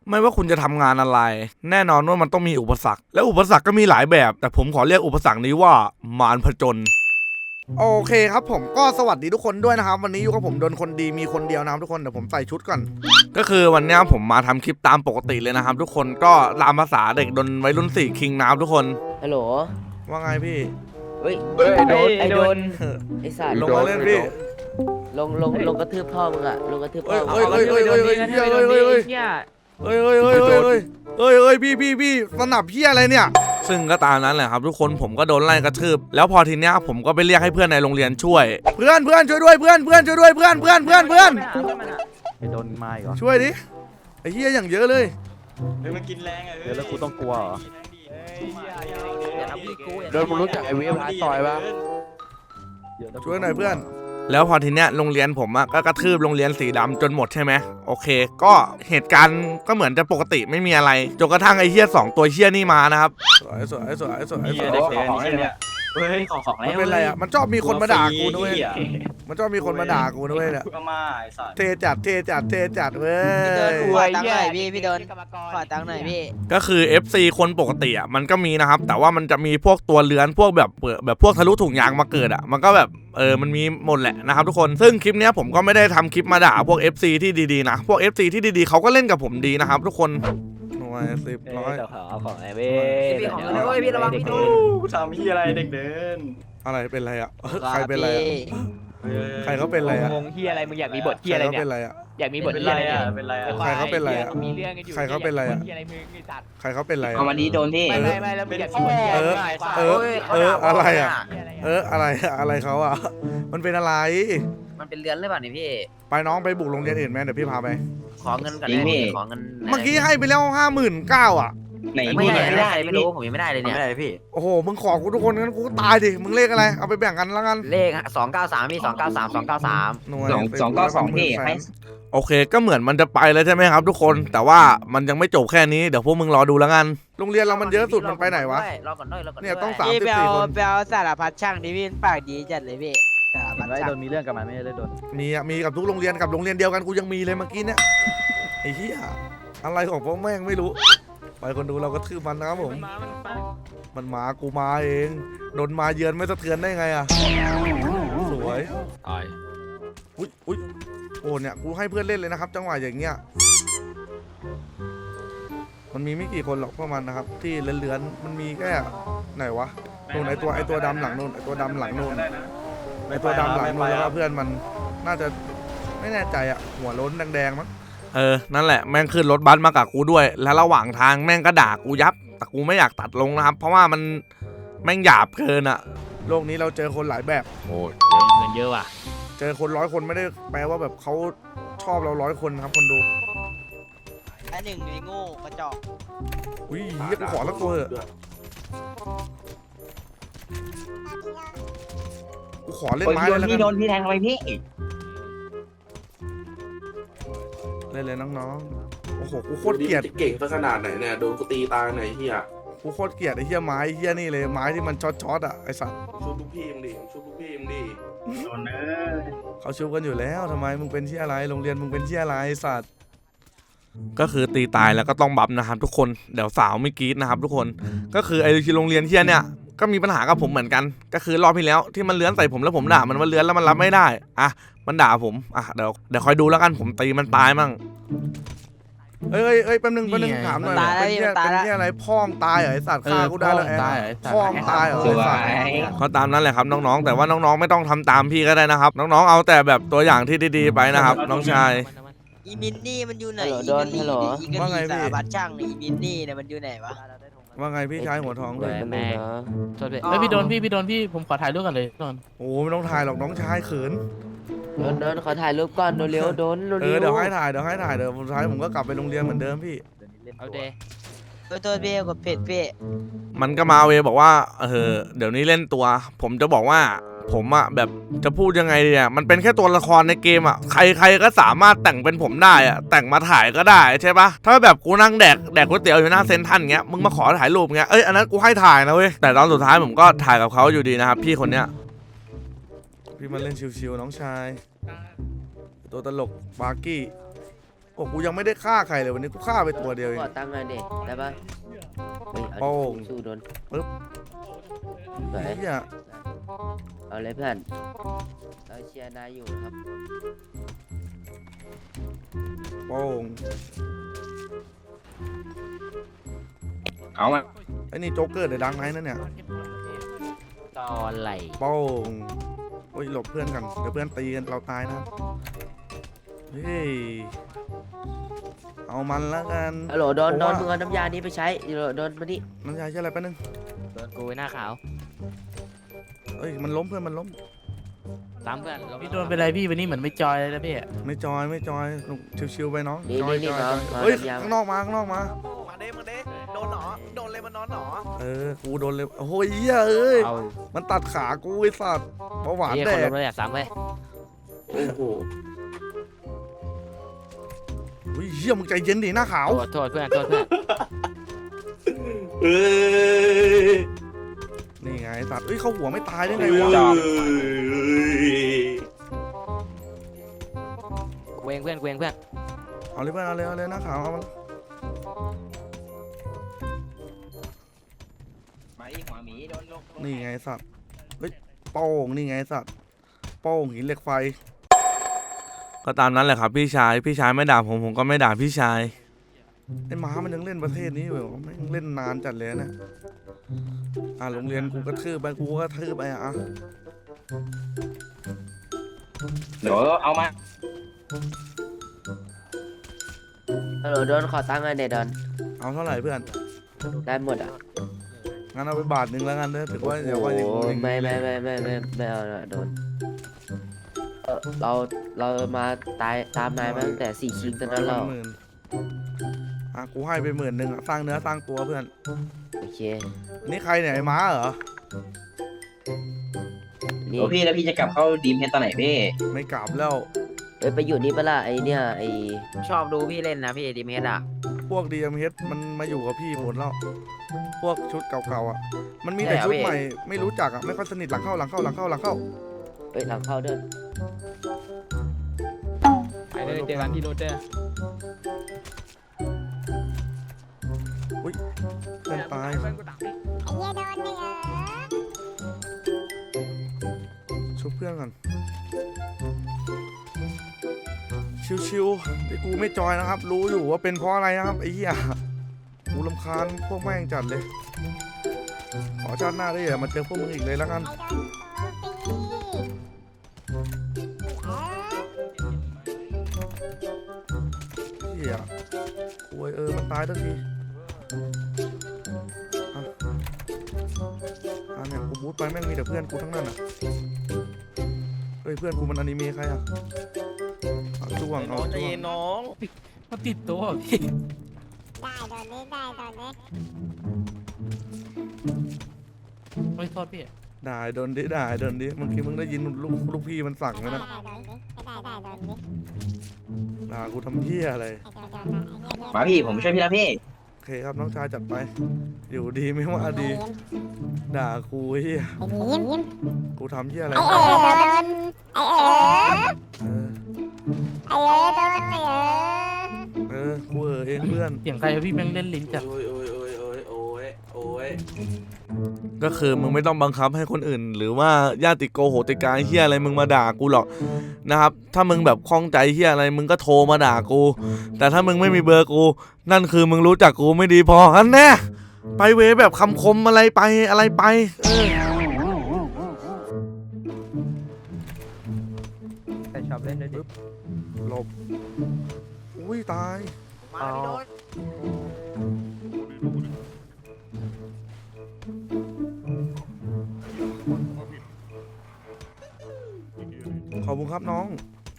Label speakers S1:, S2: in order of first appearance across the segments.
S1: ไม่ว่าคุณจะทำงานอะไรแน่นอนว่ามันต้องมีอุปสรรคและอุปสรรคก็มีหลายแบบแต่ผมขอเรียกอุปสรรคนี้ว่ามารผจญโอเคครับผมก็สวัสดีทุกคนด้วยนะครับวันนี้อยู่กับผมโดนคนดีมีคนเดียวนะครับทุกคนเดี๋ยวผมใส่ชุดก่อนก็คือวันนี้ผมมาทำคลิปตามปกติเลยนะครับทุกคนก็ตามภาษาเด็กดนวัยรุ่น4คิงนะครับทุกคน
S2: ฮัลโหล
S1: ว่าไงพี่
S2: เฮ้ย
S3: ไอ้โดน
S2: ไอ้สัตว์
S1: ลงมาเล่นพี่
S2: ลงกระทืบพ่อมึงอะลงกระทืบพ่อมึง
S1: เฮ้ยพี่สนับพี่อะไรเนี่ยซึ่งก็ตามนั้นแหละครับทุกคนผมก็โดนไล่กระทืบแล้วพอทีเนี้ยผมก็ไปเรียกให้เพื่อนในโรงเรียนช่วยเพื่อนช่วยด้วยเพื่อนช่วยด้วยเพื่อน
S3: ไอ้โดนมาอีกเหรอ
S1: ช่วยดิไอ้เหี้ยอย่างเยอะเลย
S4: เฮ้ยมันกินแรงอ่ะ
S3: เดี๋ยวแล้วกูต้องกลัวเหรอ
S4: โดนมึงรู้จักไอ้เวฟพาร์ตซอยปะ
S1: ช่วยหน่อยเพื่อนแล้วพอทีเนี้ยโรงเรียนผมก็กระทืบโรงเรียนสีดำจนหมดใช่ไหมโอเคก็เหตุการณ์ก็เหมือนจะปกติไม่มีอะไรจนกระทั่งไอ้เหี้ย2ตัวเหี้ยนี่มานะครับสวย
S4: เฮ้ยของแล้ว
S1: มันเป็นอะไรอ่ะมันชอบมีคนมาด่ากูด้วยมันชอบมีคนมาด่ากูด้วยเนี่ย
S4: ก็มาไอ้สัตว์
S1: เทจัดเว้
S5: ขอตังค์ห
S1: ย
S5: น่อยพี่โดนขอตังค์หน่อยพี่
S1: ก็คือ FC คนปกติอ่ะมันก็มีนะครับแต่ว่ามันจะมีพวกตัวเลื้อนพวกแบบพวกทะลุถุงยางมาเกิดอ่ะมันก็แบบมันมีหมดแหละนะครับทุกคนซึ่งคลิปเนี้ยผมก็ไม่ได้ทำคลิปมาด่าพวก FC ที่ดีๆนะพวก FC ที่ดีๆเขาก็เล่นกับผมดีนะครับทุกคนหน่วย10 100
S3: เอาของไอ้เว้
S5: พี่ของเลยเว้ยพี่ระวังพี่โดน
S4: กูทำที่อะไรเด็กเดิน
S1: อะไรเป็นไรอ่ะใครเป็นไรอ่ะใครเขาเป็นไรอ่ะ
S3: งงเฮียอะไรมึงอยากมีบทเฮียอะไร
S1: เขา
S3: เนี่ย
S1: เป็นไรอ่ะ
S3: อยากมีบท
S4: เป็น
S3: เฮีย
S4: ไร
S3: อะไร
S4: อ่ะ
S3: เนี่ย
S4: เป็นไรอ่ะ
S1: ใครเขาเป็นไรอะ
S3: มีเรื่องกันอยู่
S1: ใครเขาเป็นไรอะ
S3: เฮียอะไรมึงไอ้สัตว์
S1: ใครเขาเป็นไรอ่ะ
S5: เอาวันนี้โดนพี่
S3: ไม่แล้วมึงอยากมีบทเฮียอะไร
S1: อะไรอ่ะอะไรเขาอ่ะมันเป็นอะไร
S5: มันเป็นเรือนหรือเปล่านี่พี่
S1: ไปน้องไปบุกโรงเรียนอื่นไหมเดี๋ยวพี่พาไป
S5: ขอเงินก่อนได้พี่ขอเงิน
S1: เมื่อกี้ให้ไปแล้ว59,000อ่ะ
S4: ไหน
S5: ไม่ได้ไม่รู้ผมยังไม่ได้เลยเนี่ย
S4: ไม่ได้พี่
S1: โอ้โหมึงขอกูทุกคนงั้นกูตายดิมึงเลขอะไรเอาไปแบ่งกันแล้วกัน
S5: เลข293พี่293
S1: หน่วย
S4: 292พี่ให้
S1: โอเคก็เหมือนมันจะไปแล้วใช่ไหมครับทุกคนแต่ว่ามันยังไม่จบแค่นี้เดี๋ยวพวกมึงรอดูแล้วกันโรงเรียนเรามันเยอะสุดมันไปไหนวะ
S5: รอก่อนด้วย
S1: เนี่ยต้อง
S5: พี่ไปเอา
S1: 34 คน
S5: ไปเอาสารพัดช่างดิพี่ปากดีจัดเลยพี่สารพัด
S3: ไอ้
S5: ช่า
S3: โด
S5: ง
S3: นมีเรื่องกับมันไม่ได้โดน
S1: มีกับทุกโรงเรียนกับโรงเรียนเดียวกันกูยังมีเลยเมื่อกี้เนี่ยไอ้เหี้ยอะไรของพวกแม่งไม่รู้ไปคนดูเราก็ทืบมันนะครับผมมันมากูมาเองโดนมาเยือนไม่สะเทือนได้ไงอ่ะสวยอุ้ยโอ้เนี่ยกูให้เพื่อนเล่นเลยนะครับจังหวะอย่างเงี้ยมันมีไม่กี่คนหรอกพวกมันนะครับที่เลื้อนๆมันมีแค่ไหนวะนู่นไอตัวดำหลังนู่นไอตัวดำหลังนู่นไอตัวดำหลังนู่นแล้วก็เพื่อนมันน่าจะไม่แน่ใจอ่ะหัวโล้นแดงๆมั้งนั่นแหละแม่งขึ้นรถบัสมากับกูด้วยแล้วระหว่างทางแม่งก็ด่ากูยับแต่กูไม่อยากตัดลงนะครับเพราะว่ามันแม่งหยาบเกินอะโลกนี้เราเจอคนหลายแบบโอ้ย
S3: เงินเยอะว่ะ
S1: เจอคน100 คนไม่ได้แปลว่าแบบเขาชอบเรา100 คนครับคนดู
S5: อันหนึ่งไอ้โง่กระจอก
S1: อุ้ยเฮียกูขอสักตัวเถอะกูขอเล่นไม้เลยแล้ว
S4: พี่โด
S1: กัน
S4: นพี่แทงทำไมพี่
S1: เล่นเลยน้องๆโอ้โหกูโคตรเกลียด
S6: จะเก่งซะขนาดไหนเนี่ยโดนกูตีตายไหนเฮีย
S1: กูโคตรเกลียดไอ้เฮียไม้เฮียนี่เลยไม้ที่มันช็อตอะไอสัตว์
S6: ชุบลูกพี่มึงดิชุบลูกพี่มึงดิ
S4: โดนเนอ
S1: เขาชูกันอยู่แล้วทำไมมึงเป็นที่อะไรโรงเรียนมึงเป็นที่อะไรไอ้สัตว์ก็คือตีตายแล้วก็ต้องบัฟนะครับทุกคนเดี๋ยวสาวไม่กรี๊ดนะครับทุกคนก็คือไอ้ที่โรงเรียนเฮียเนี่ยก็มีปัญหากับผมเหมือนกันก็คือรอบที่แล้วที่มันเลื้อนใส่ผมแล้วผมด่ามันว่าเลื้อนแล้วมันรับไม่ได้อ่ะมันด่าผมอ่ะเดี๋ยวคอยดูแล้วกันผมตีมันตายมั่งเอ้ยแป๊บนึงถามหน่อยเป็นที่อะไรพ่อมตายเหรอไอสัตว์ฆ่ากูได้แล้วพ่อมตายเหรอไอสัตว์เขาตามนั้นแหละครับน้องๆแต่ว่าน้องๆไม่ต้องทำตามพี่ก็ได้นะครับน้องๆเอาแต่แบบตัวอย่างที่ดีๆไปนะครับน้องชาย
S5: อีมินนี่มันอยู่ไหน
S2: โดนฮัลโหล
S1: ว่าไงพี่
S5: สารพัดช่างอีมินนี่เนี่ยมันอยู่ไหนวะ
S1: ว่าไงพี่ชายหัวทองเลย
S3: แม่โทษพี่พี่โดนพี่ผมขอถ่ายรูปกันเลยโดน
S1: โอ้ไม่ต้องถ่ายหรอกน้องชายเขิน
S2: โดนขอถ่ายรูปก่อนเร็วโดน
S1: เดี๋ยวให้ถ่ายเดี๋ยวสุดท้ายผมก็กลับไปโรงเรียนเหมือนเดิมพี่
S3: เอาเด
S5: โทษพี่กดเพจพี่
S1: มันก็มาเวบอกว่าเดี๋ยวนี้เล่นตัว ผมจะบอกว่าผมอะแบบจะพูดยังไงเนี่ยมันเป็นแค่ตัวละครในเกมอะใครก็สามารถแต่งเป็นผมได้อะแต่งมาถ่ายก็ได้ใช่ปะถ้าแบบกูนั่งแดกก๋วยเตี๋ยวอยู่หน้าเซ็นทรัลเงี้ยมึงมาขอถ่ายรูปเงี้ยอันนั้นกูให้ถ่ายนะเว้ยแต่ตอนสุดท้ายผมก็ถ่ายกับเขาอยู่ดีนะครับพี่คนเนี้ยพี่มาเล่นชิวๆน้องชายตัวตลกบาร์กี้โอ้กูยังไม่ได้ฆ่าใครเลยวันนี้กูฆ่าไปตัวเดียวเอง
S2: ขอตั้งค์หน่อยเด็กได้ปะเฮ้ย
S1: โป้
S2: เอา
S1: ง
S2: สู้โดน
S1: ปึ๊บ
S2: สวย
S1: เฮีย
S2: เอาเลยเพื่อนเราเชียร์นายอยู่ครับ
S1: โป้ง
S4: เอามา
S1: ไอ้นี่โจ๊กเกอร์เดอะดังไนท์นั่นเนี่ย
S5: ตอนไหล
S1: โป้งโอ้ยหลบเพื่อนกันเดี๋ยวเพื่อนตีกันเราตายนะเฮ้ยเอามันแล้วกัน
S2: ฮัลโหลโดน
S1: ผม
S2: โด
S1: ว่า
S2: นมึงเอาน้ำยานี้ไปใช้โดนมานี่
S1: น้ำยาใช่อะไรแป๊บนึง
S5: โดนกูหน้าขาว
S1: เอ้ยมันล้มเพื่อนมันล้ม
S5: ตามเพื่อน
S3: พี่โดนเป็นไรพี่วันนี้เหมือนไม่จอยเลยนะพี่
S1: ไม่จอยหนุกชิวๆไปน้อง
S2: นี่
S1: จอย
S2: นี่
S1: จอย
S2: น้อง
S1: เฮ้ย
S2: น้ำยา
S1: ข้างนอกมาข้างนอกมา
S7: มาเด้โดนหนอโดนเลยมันนอนหนอ
S1: กูโดนเลยโอ้ยเหี้ยเอ้ย
S5: เอา
S1: มันตัดขากูไอ้สัตว์เบาหวาน
S5: เฮีย
S1: แด
S5: คนล
S1: ก
S5: งเลยอยากซ้ำเว้ย
S6: โอ้โห
S1: อุ้ยเหี้ยมึงใจเย็นดิหน้าขาว
S5: โทษเพื่อนโทษเพื่อน
S6: เอ้ย
S1: นี่ไงไอ้สัตว์เอ้ยเขาหัวไม่ตายได้ไง
S6: เอ้
S1: วะ
S6: ย
S5: เวงเพื่อนเวงเพื่อน
S1: เอาเลยเพื่อนเอาเลยหน้าขาวเอามัน
S4: มาอีกหัวหมีโดนลง
S1: นี่ไงไอ้สัตว์เฮ้ยโป้งนี่ไงไอ้สัตว์โป้งหินเหล็กไฟ ก็ตามนั้นแหละครับพี่ชายไม่ด่าผมก็ไม่ด่าพี่ชายไอ้ม้ามันยังเล่นประเทศนี้อยู่ไม่งเล่นนานจัดเลยนะโรงเรียนกูกระทืบไปกูก็กระทืบไปอ่ะ
S4: เดี๋ยวเอามา
S2: ฮัลโหลโดนขอตั้งค์หน่อยเด็กโดน
S1: เอาเท่าไหร่เพื่อน
S2: ได้หมดอ่ะ
S1: งั้นเอาไปบาทหนึ่งแล้วกันเด้อถือว่าเดี๋ยวว่าอย่าง
S2: โอ้
S1: งี้
S2: ไม่เอาละโดนเรามาตามนายมาตั้งแต่4 คิงตอนนั้นเรา
S1: 10,000กูให้ไป10,000อ่ะสร้างเนื้อสร้างตัวเพื่อน
S2: โอเค
S1: นี่ใครเนี่ยไอ้ม้าเหรอ
S2: นี่
S4: โอ้พี่แล้วพี่จะกลับเข้าดีมเฮดตอนไหนพี่
S1: ไม่กลับแล้ว
S2: ไปอยู่นี่ปะล่ะไอเนี่ยไอ
S5: ชอบดูพี่เล่นนะพี่ดีเมสอ่ะ
S1: พวก DMH มันมาอยู่กับพี่หมดแล้วพวกชุดเก่าๆอ่ะมันมีแต่ชุดใหม่ไม่รู้จักอ่ะไม่ค่อยสนิทหลังเข้า
S2: หลังเข้าเดิน
S5: ไปเลยเจอกันที่โรเจอร์
S1: เพื่อนตายชุบเพื่อนก่อนชิวๆที่กูไม่จอยนะครับ รู้อยู่ว่าเป็นเพราะอะไรนะครับไอ้เหี้ยกูรำคาญพวกแม่งจัดเลย ขอชาติหน้าได้อย่ามาเจอพวกมึงอีกเลยแล้วกันเหี้ยโอ้ยมันตายทันทีเนี่ยกูบูทไปแม่งมีแต่เพื่อนกูทั้งนั้นอ่ะเฮ้ยเพื่อนกูมันอนิเมะใครอ่ะจ้วงเอา
S7: ใจ
S1: จ้ว
S7: เย็
S1: ง
S7: นน้อง
S3: มันติดตัวพี่
S8: ได้ตอนนี้ได้ตอนนี้
S3: ไม่โทษพี่
S1: ด่าโดนดิเมื่อกี้มึงได้ยินลูกพี่มันสั่งไหมนะ
S8: ได้ตอนนี้ได้ตอนนี้
S1: ด่ากูทำเหี้ยอะไร
S4: มาพี่ผมช่วยพี่แล้วพี่
S1: โอเคครับน้องชายจัดไป อยู่ดีไม่ว่าดี ด่ากูเหี้ย
S8: ไอ้ยิ้ม
S1: กูทำเหี้ยอะไร
S8: ไอ้โดนไอ้
S1: เออ
S8: โดนไอ้
S1: กูเองเพื่อน
S3: เสียงใครพี่แม่งเล่นลิ้นจัด
S6: โอ้ยโอ้ยโอ้ยโอ้ยโอ้ยโอ้ย
S1: ก็คือมึงไม่ต้องบังคับให้คนอื่น หรือว่าญาติโกโหติกาเหี้ยอะไรมึงมาด่ากูหรอกนะครับ ถ้ามึงแบบคล่องใจเหี้ยอะไรมึงก็โทรมาด่ากู แต่ถ้ามึงไม่มีเบอร์กู นั่นคือมึงรู้จักกูไม่ดีพออันแน่ไปเวแบบคำคมอะไรไป
S5: แต่ชอบเล่นด้วยดิ
S1: หลบอุ้ยตาย
S7: มาพี่โดน
S1: ขอบคุณครับน้อง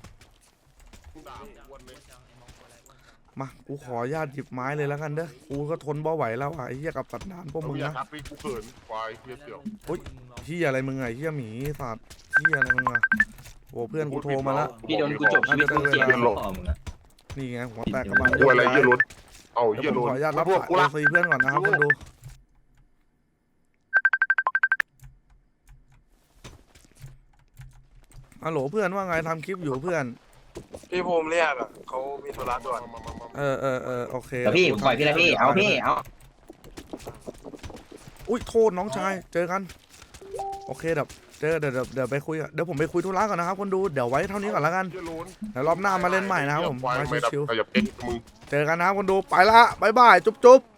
S1: มา กูขออนุญาตหยิบไม้เลยแล้วกันเด้อ กูก็ทนบ่ไหวแล้วอ่ะไอ้เหี้ยกับสัตว์ด่านพวกมึง
S9: อย่า
S1: นะ
S9: ทักพี่กูเขินควายเฮียเสี่ยว
S1: เหี้ยอะไรมึงไงเหี้ยหมีสัตว์เหี้ยอะไรมึงอ่ะโอ้เพื่อนกูโทรมาแล้ว
S4: พี่โดนกูจบชีวิตกูเสียแล้วพ่อมึงอะ
S1: นี่ไงหัวแตกกระบาล
S9: กูอะไรเฮียรถเอา
S1: เดี๋
S9: เฮี
S1: ย
S9: ยว
S1: ผม
S9: รถ
S1: ขออนุญาตรับ
S9: พวก
S1: สาย
S9: กูละ
S1: ซีเพื่อนก่อนนะครับคนดูฮัลโหลเพื่อนว่าไงทำคลิปอยู่เพื่อน
S10: พี่ภูมิเรียกอะเขามีธุระด่วน
S1: โอเค
S4: เดี๋ยวพี่ผมปล่อยพี่แล้วพี่เอาพี่เอา
S1: อุ้ยโทษน้องชายเจอกันโอเคเดี๋ยวไปคุยเดี๋ยวผมไปคุยธุระก่อนนะครับคนดูเดี๋ยวไว้เท่านี้ก่อนแล้วกัน
S9: เหี้ยโล้น
S1: เดี๋ยวรอบหน้ามาเล่นใหม่นะครับผม
S9: ควาย
S1: มา
S9: ไม่ดับ
S1: ชิว
S9: ขยับเก่งมึง
S1: ๆเจอกันนะครับคนดูไปละบ๊ายบายจุ๊บ